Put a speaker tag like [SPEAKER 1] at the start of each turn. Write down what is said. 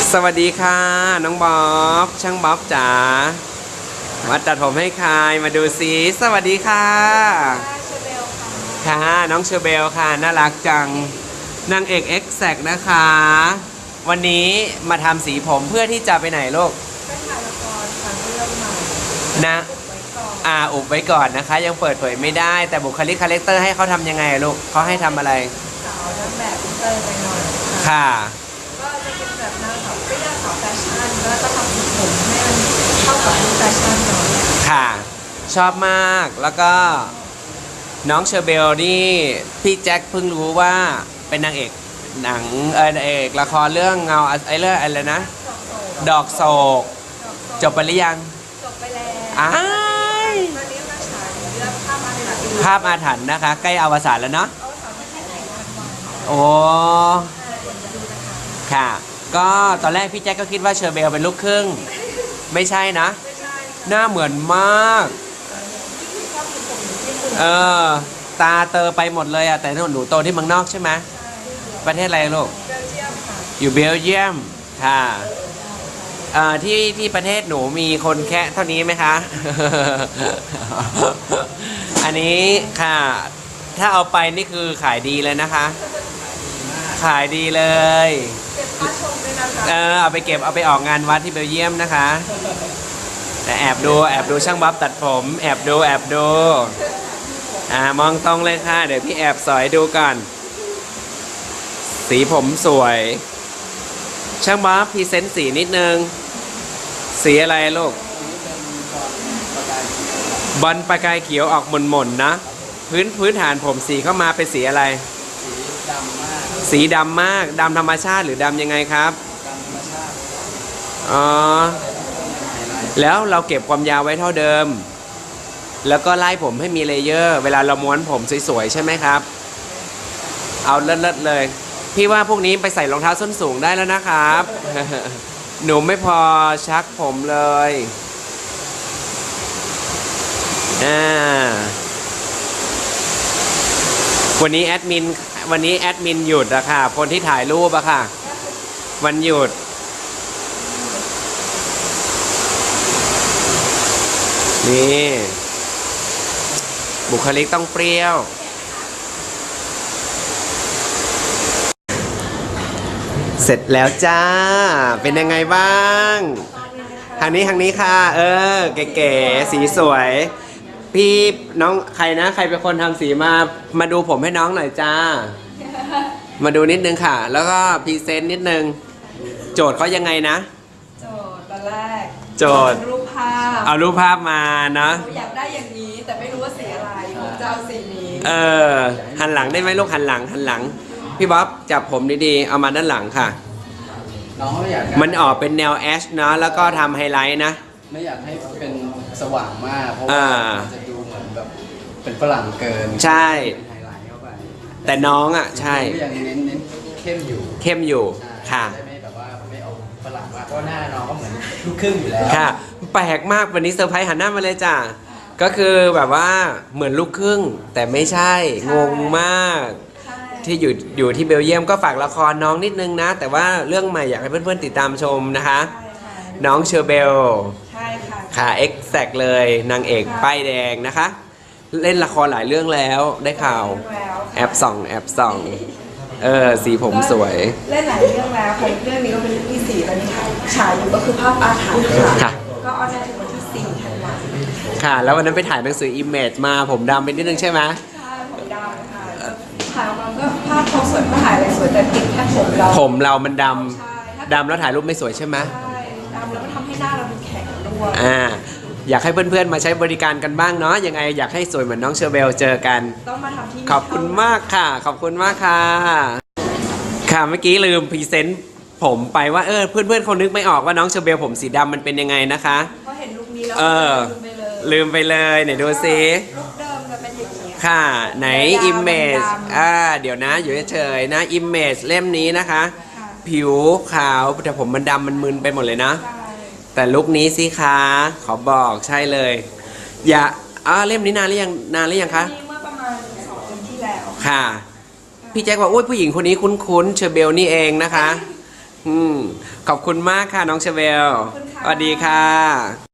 [SPEAKER 1] สวัสดีค่ะน้องบ๊อบช่างบ๊อบจ๋ามาตัดผมให้ใครมาดูซิสวัสดีค่ะ
[SPEAKER 2] เชอเบล
[SPEAKER 1] ค่ะน้องเชอเบลค่ะน่ารักจังนางเอกเอ็กแซกนะคะวันนี้มาทำสีผมเพื่อที่จะไปไหนลูก
[SPEAKER 2] ไปถ่ายละครค่ะเรื่องใหม่
[SPEAKER 1] นะอุบไว้ก่อนนะคะยังเปิดเผยไม่ได้แต่บุคลิกคาแรคเตอร์ให้เขาทำยังไงลูกเขาให้ทำอะไร
[SPEAKER 2] สาวนักแบบอินเตอร์ไปหน่อย
[SPEAKER 1] ค่ะ
[SPEAKER 2] ก็จะเป็นแบบหน้าสาวเปรี้ยวสาวแฟชั่นแล้วก็ทำสีผมให้มันเข้ากับลุคแฟชั่นหน่อย
[SPEAKER 1] ค่ะชอบมากแล้วก็น้องเชอเบลนี่พี่แจ็คเพิ่งรู้ว่าเป็นนางเอกหนังนางเอกละครเรื่องเงาเรื่องอะไรนะดอกโศกจบไปหรือยัง
[SPEAKER 2] จบไปแล้ว
[SPEAKER 1] อ้าย
[SPEAKER 2] ตอนนี้มาฉายเรื่องภาพอาถรรพ์
[SPEAKER 1] ภาพอาถรรพ์นะคะใกล้อวสานแล้วเนาะ
[SPEAKER 2] เอาสาวที่ไหนกันมา
[SPEAKER 1] โอ้ค่ะก็ตอนแรกพี่แจ็คก็คิดว่าเชอเบลเป็นลูกครึ่งไม่ใช่นะหน้าเหมือนมากตาเตอไปหมดเลยอะแต่หนูโตที่เมืองนอกใช่ไหมประเทศอะไรลูกอยู่เบลเยียมค่ะที่ประเทศหนูมีคนแค่เท่านี้ไหมคะ อันนี้ค่ะถ้าเอาไปนี่คือขายดีเลยนะคะขายดีเลย
[SPEAKER 2] เก็บค่าชมด้วยนะคะ
[SPEAKER 1] เอาไปเก็บเอาไปออกงานวัดที่เบลเยียมนะคะแต่แอบดูช่างบ๊อบตัดผมแอบดูมองตรงเลยค่ะเดี๋ยวพี่แอบสอยดูก่อนสีผมสวยช่างบ๊อบพรีเซนต์สีนิดนึงสีอะไรลูกบอลประกายเขียวออกหม่นๆนะพื้นฐานผมสีเข้ามาเป็นสีอะไรสีดำมากดำธรรมชาติหรือดำยังไงครับอ๋อแล้วเราเก็บความยาวไว้เท่าเดิมแล้วก็ไล่ผมให้มีเลเยอร์เวลาเราม้วนผมสวยๆใช่ไหมครับเอาเลิศๆเลยพี่ว่าพวกนี้ไปใส่รองเท้าส้นสูงได้แล้วนะครับ หนูไม่พอชักผมเลยวันนี้แอดมินหยุดอะค่ะคนที่ถ่ายรูปอะค่ะวันหยุดนี่บุคลิกต้องเปรี้ยวเสร็จแล้วจ้าเป็นยังไงบ้างทางนี้ค่ะเก๋ๆสีสวยพี่น้องใครนะใครเป็นคนทำสีมาดูผมให้น้องหน่อยจ้ามาดูนิดนึงค่ะแล้วก็พรีเซนต์นิดนึงโจทย์เขายังไงนะ
[SPEAKER 2] โจทย์ตอนแรก
[SPEAKER 1] โจทย์
[SPEAKER 2] รูปภาพ
[SPEAKER 1] เอารูปภาพมานะ
[SPEAKER 2] อยากได้อย่างนี้แต่ไม่รู้ว่าสีอะไรผมจะเอาสีนี้
[SPEAKER 1] หันหลังได้ไหมลูกหันหลังพี่บ๊อบจับผมดีๆเอามาด้านหลังค่ะ
[SPEAKER 3] น้องไม่อยาก
[SPEAKER 1] มันออกเป็นแนวแอชนะแล้วก็ทำไฮไลท์นะ
[SPEAKER 3] ไม่อยากให้เป็นสว่างมากเพราะว่าจะดูเหมือนแบบเป็นฝรั่งเกิน
[SPEAKER 1] ใช่
[SPEAKER 3] ไฮไลท์เข้าไป
[SPEAKER 1] แต่น้องอ่ะใช่
[SPEAKER 3] ยังเน้นเข้ม
[SPEAKER 1] อยู่ค่ะ
[SPEAKER 3] ไม่แบบว่าไม่เอาฝรั่งมากเพราะหน้าน้องก็เหมือนลูกครึ่งอยู่แล้ว
[SPEAKER 1] ค่ะแปลกมากวันนี้เซอร์ไพรส์หันหน้ามาเลยจ้ะก็คือแบบว่าเหมือนลูกครึ่งแต่ไม่ใช่งงมากที่อยู่ที่เบลเยียมก็ฝากละครน้องนิดนึงนะแต่ว่าเรื่องใหม่อยากให้เพื่อนๆติดตามชมนะคะน้องเชอเบล
[SPEAKER 2] ใช่
[SPEAKER 1] ค่ะเอ็กแซกเลยนางเอกป้ายแดงนะคะเล่นละครหลายเรื่องแล้วได้ข่าวแอบส่องสีผมสวย
[SPEAKER 2] เล่นหลายเรื่องแล้วค่ะเรื่องนี้ก็เป็นเรื่องที่4ตอนนี้ค่ะฉายอยู่ก็คือภาพอาถรรพ์ค่ะก็ออนแอร์ถึงวันที่4 ธันวาคม
[SPEAKER 1] ค่ะแล้ววันนั้นไปถ่ายหนังสืออิมเมจมาผมดำไปนิดนึงใช่ไหม
[SPEAKER 2] ใช่ผมดำค่ะถ่ายออกมาก็ภาพเขาสวยก็ถ่ายอะไรสวยแต่ติดแค่ผม
[SPEAKER 1] เรามันดำแล้วถ่ายรูปไม่สวยใช่ไหม
[SPEAKER 2] ใช่ดำแล้วมันทำให้หน้าเราดูแข็งด้วย
[SPEAKER 1] อยากให้เพื่อนๆมาใช้บริการกันบ้างเนาะยังไงอยากให้สวยเหมือนน้องเชอร์เบลเจอกัน
[SPEAKER 2] ต้องมาทำที่
[SPEAKER 1] ขอบคุณมากค่ะขอบคุณมากค่ะค่ะเมื่อกี้ลืมพรีเซนต์ผมไปว่าเพื่อนๆคนนึกไม่ออกว่าน้องเชอร์เบลผมสีดำมันเป็นยังไงนะคะ
[SPEAKER 2] พอเห็นลุคนี้แล้ว
[SPEAKER 1] ลืมไปเลยไหนดูซิ
[SPEAKER 2] ลุคเดิมจะเป็นอย่างนี้
[SPEAKER 1] ค่ะไหนอิมเมจเดี๋ยวนะอยู่เฉยๆนะอิมเมจเล่มนี้นะคะผิวขาวแต่ผมมันดำมันมึนไปหมดเลยนะแต่ลุคนี้สิคะขอบอกใช่เลยอย่าเล่มนี้นานหรือยังคะ
[SPEAKER 2] เมื่อประมาณ2 ปีที่แล้ว
[SPEAKER 1] ค่ะพี่แจ็คว่าโอ้ยผู้หญิงคนนี้คุ้นๆเชอร์เบลนี่เองนะคะขอบคุณมากค่ะน้องเชเวล
[SPEAKER 2] ขอบคุณค่ะ
[SPEAKER 1] สวัสดีค่ะ